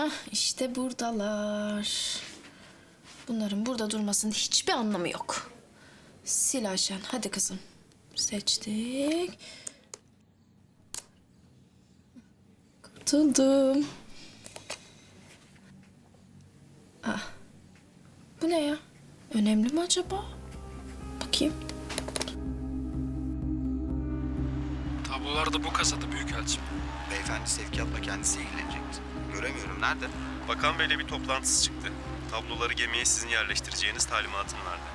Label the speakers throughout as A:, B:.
A: Hah, işte buradalar. Bunların burada durmasının hiçbir anlamı yok. Sil Ayşen, hadi kızım. Seçtik. Kurtuldum. Ah, bu ne ya? Önemli mi acaba? Bakayım.
B: Tablolar da bu kasada büyükelçim.
C: Beyefendi sevkiyatla kendisi ilgilenecekti. Göremiyorum. Nerede?
D: Bakan Bey'le bir toplantısı çıktı. Tabloları gemiye sizin yerleştireceğiniz talimatını verdi.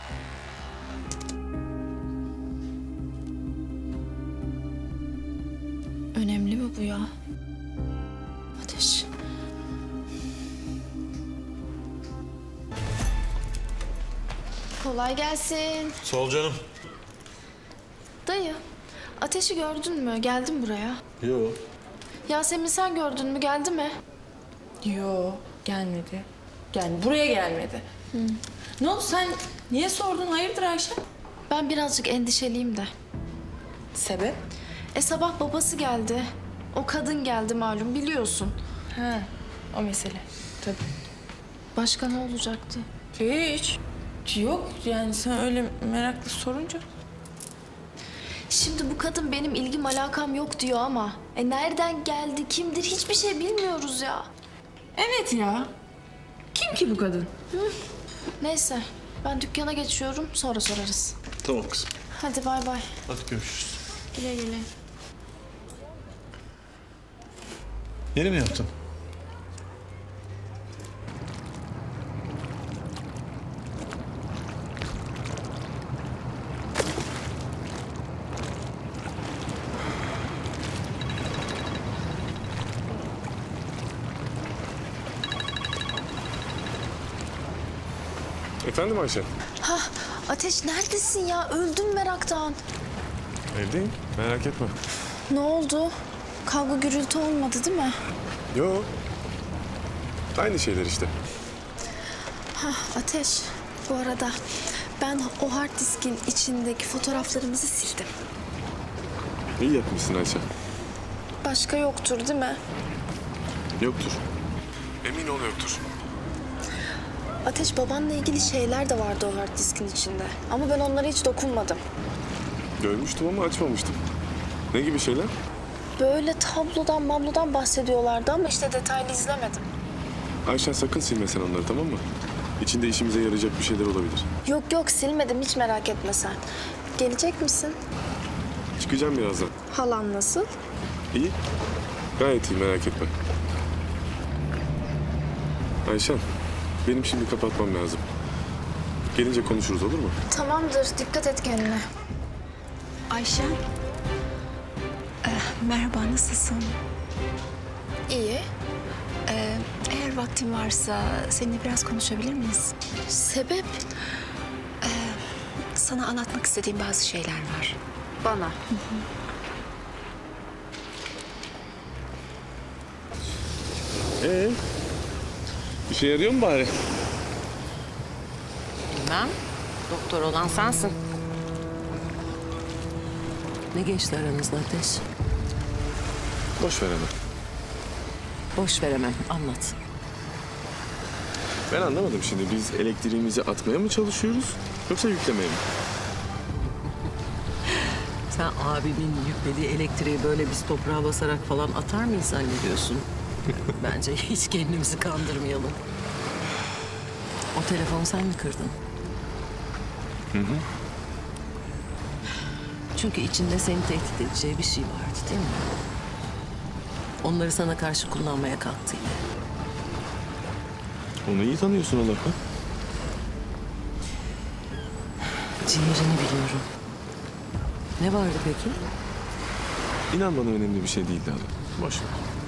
A: Önemli mi bu ya? Ateş. Kolay gelsin.
E: Sağ ol canım.
A: Dayı, Ateş'i gördün mü? Geldi mi buraya?
E: Yo.
A: Yasemin sen gördün mü? Geldi mi?
F: Yo, gelmedi. Buraya gelmedi. Ne oldu sen niye sordun? Hayırdır Ayşe?
A: Ben birazcık endişeliyim de.
F: Sebep?
A: Sabah babası geldi. O kadın geldi malum, biliyorsun.
F: Ha, o mesele. Tabii.
A: Başka ne olacaktı?
F: Hiç. Yok yani sen öyle meraklı sorunca.
A: Şimdi bu kadın benim ilgim alakam yok diyor ama... nereden geldi, kimdir hiçbir şey bilmiyoruz ya.
F: Evet ya. Kim ki bu kadın?
A: Neyse, ben dükkana geçiyorum, sonra sorarız.
E: Tamam kızım.
A: Hadi bay bay.
E: Hadi görüşürüz.
A: Güle güle.
E: Yeni mi yaptın?
G: Efendim Ayşe?
A: Ateş neredesin ya? Öldüm meraktan.
G: Evdeyim. Merak etme.
A: Ne oldu? Kavga gürültü olmadı değil mi?
G: Yo. Aynı şeyler işte.
A: Ateş, bu arada ben o hard diskin içindeki fotoğraflarımızı sildim.
G: İyi yapmışsın Ayşe.
A: Başka yoktur değil mi?
G: Yoktur. Emin ol yoktur.
A: Ateş, babanla ilgili şeyler de vardı o hard diskin içinde. Ama ben onlara hiç dokunmadım.
G: Görmüştüm ama açmamıştım. Ne gibi şeyler?
A: Böyle tablodan bahsediyorlardı ama işte detaylı izlemedim.
G: Ayşen sakın silme sen onları, tamam mı? İçinde işimize yarayacak bir şeyler olabilir.
A: Yok silmedim, hiç merak etme sen. Gelecek misin?
G: Çıkacağım birazdan.
A: Halan nasıl?
G: İyi. Gayet iyi, merak etme. Ayşen, benim şimdi kapatmam lazım. Gelince konuşuruz, olur mu?
A: Tamamdır, dikkat et kendine.
H: Ayşe. Merhaba, nasılsın?
A: İyi.
H: Eğer vaktin varsa seninle biraz konuşabilir miyiz?
A: Sebep?
H: Sana anlatmak istediğim bazı şeyler var.
A: Bana.
G: İşe yarıyor mu bari?
I: Bilmem. Doktor olan sensin. Ne geçti aranızda Ateş?
G: Boş ver hemen.
I: Boş veremem. Anlat.
G: Ben anlamadım şimdi. Biz elektriğimizi atmaya mı çalışıyoruz yoksa yüklemeye mi?
I: Sen abimin yüklediği elektriği böyle biz toprağa basarak falan atar mıyız zannediyorsun? Bence hiç kendimizi kandırmayalım. O telefonu sen mi kırdın?
G: Hı.
I: Çünkü içinde seni tehdit edeceği bir şey vardı değil mi? Onları sana karşı kullanmaya kalktı yine.
G: Onu iyi tanıyorsun Allah'ım.
I: Ciğerini biliyorum. Ne vardı peki?
G: İnan bana önemli bir şey değildi hala. Boş ver.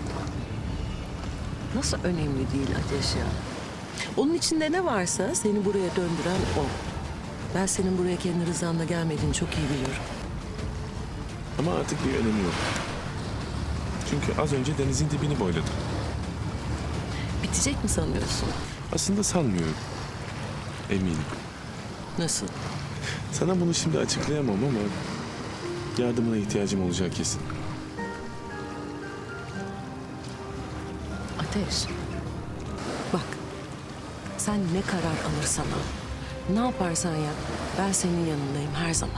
I: Nasıl önemli değil Ateş ya? Onun içinde ne varsa seni buraya döndüren o. Ben senin buraya kendi rızanla gelmediğini çok iyi biliyorum.
G: Ama artık bir önemi yok. Çünkü az önce denizin dibini boyladım.
I: Bitecek mi sanıyorsun?
G: Aslında sanmıyorum. Eminim.
I: Nasıl?
G: Sana bunu şimdi açıklayamam ama yardımına ihtiyacım olacak kesin.
I: Ateş, Sen ne karar alırsan al. Ne yaparsan yap. Ben senin yanındayım her zaman.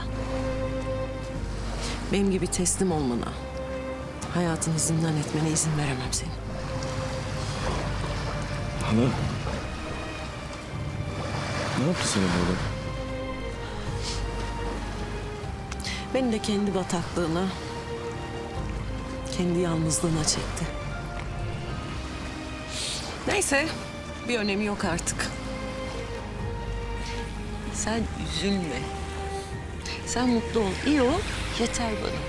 I: Benim gibi teslim olmana, hayatını zindan etmene izin veremem senin.
G: Hala. Ne yaptı sana böyle?
I: Beni de kendi bataklığına, kendi yalnızlığına çekti. Neyse, bir önemi yok artık. Sen üzülme. Sen mutlu ol, iyi ol, yeter bana.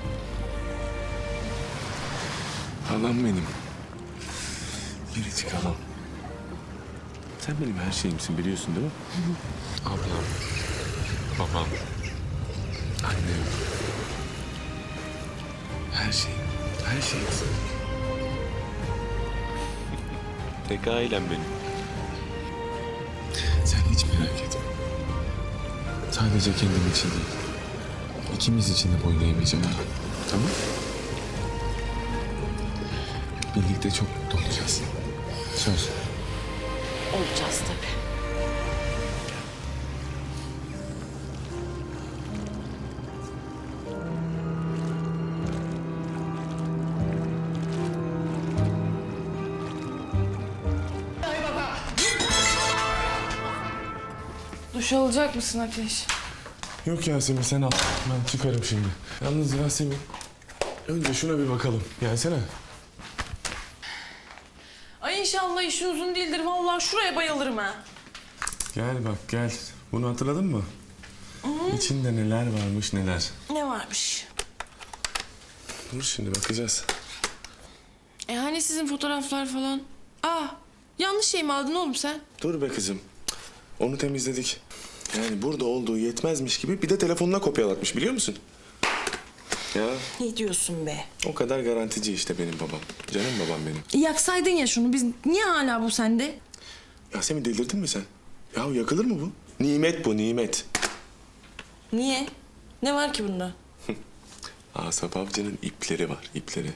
G: Halam benim. Biricik halam. Sen benim her şeyimsin biliyorsun değil mi? Ablam. Babam. Annem. Her şeyim. Her şeyimsin. Tek ailem benim. Sen hiç merak etme. Sadece kendim için değil. İkimiz için de boyun eğmeyeceğim. Tamam? Birlikte çok mutlu olacağız. Söz.
I: Olacağız tabii.
F: Duş alacak mısın Ateş?
G: Yok Yasemin sen al. Ben çıkarım şimdi. Yalnız Yasemin önce şuna bir bakalım. Gelsene.
F: Ay inşallah işin uzun değildir. Vallahi şuraya bayılırım ha.
G: Gel bak gel. Bunu hatırladın mı? İçinde neler varmış neler.
F: Ne varmış?
G: Dur şimdi bakacağız.
F: Hani sizin fotoğraflar falan? Yanlış şey mi aldın oğlum sen?
G: Dur be kızım. Onu temizledik. Yani burada olduğu yetmezmiş gibi bir de telefonuna kopyalatmış biliyor musun? Ya
F: Ne diyorsun be?
G: o kadar garantici işte benim babam. Canım babam benim.
F: Yaksaydın ya şunu. Biz niye hala bu sende?
G: Yasemin delirdin mi sen? Ya yakılır mı bu? Nimet bu nimet.
F: Niye? Ne var ki bunda?
G: Asaf Avcı'nın ipleri var ipleri.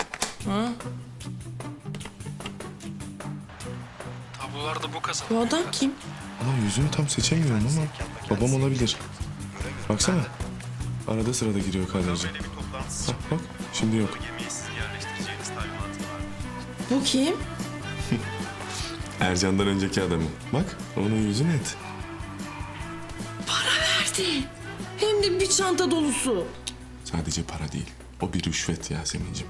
B: Tablolar da bu kasada.
F: Bu adam kim?
G: Ama yüzünü tam seçemiyorum ama babam olabilir. Baksana. Arada sırada giriyor kadraja.
D: Böyle bir toplantısı çıktı.
G: Bak şimdi yok.
D: Gemiye sizin yerleştireceğiniz talimatı var.
F: Bu kim?
G: Ercan'dan önceki adamı. Bak onun yüzü net.
F: Verdi. Hem de bir çanta dolusu.
G: Sadece para değil. O bir rüşvet Yasemin'cim.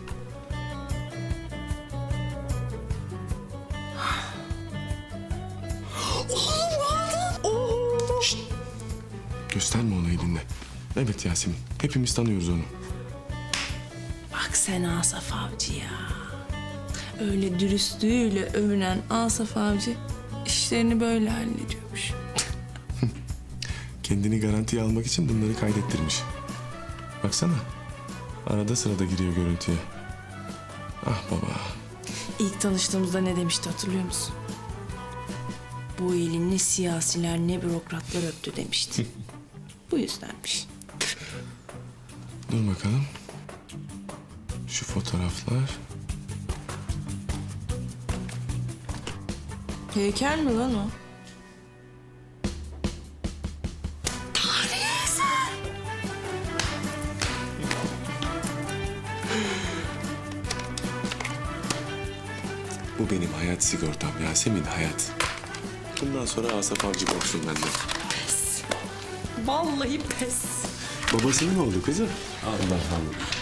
G: Şşt! Gösterme ona elinde. Evet Yasemin. Hepimiz tanıyoruz onu.
F: Bak sen Asaf Avcı ya. Öyle dürüstlüğüyle övünen Asaf Avcı işlerini böyle hallediyormuş.
G: Kendini garantiye almak için bunları kaydettirmiş. Baksana. Arada sırada giriyor görüntüye. Ah baba.
F: İlk tanıştığımızda ne demişti hatırlıyor musun? Bu eli ne siyasiler ne bürokratlar öptü demişti. Bu yüzdenmiş.
G: Dur bakalım. Şu fotoğraflar.
F: Heykel mi lan o?
G: Bu benim hayat sigortam Yasemin hayat. Bundan sonra Asaf Avcı korksun benden.
F: Vallahi pes.
G: Babası mı oldu kızım? Allah Allah.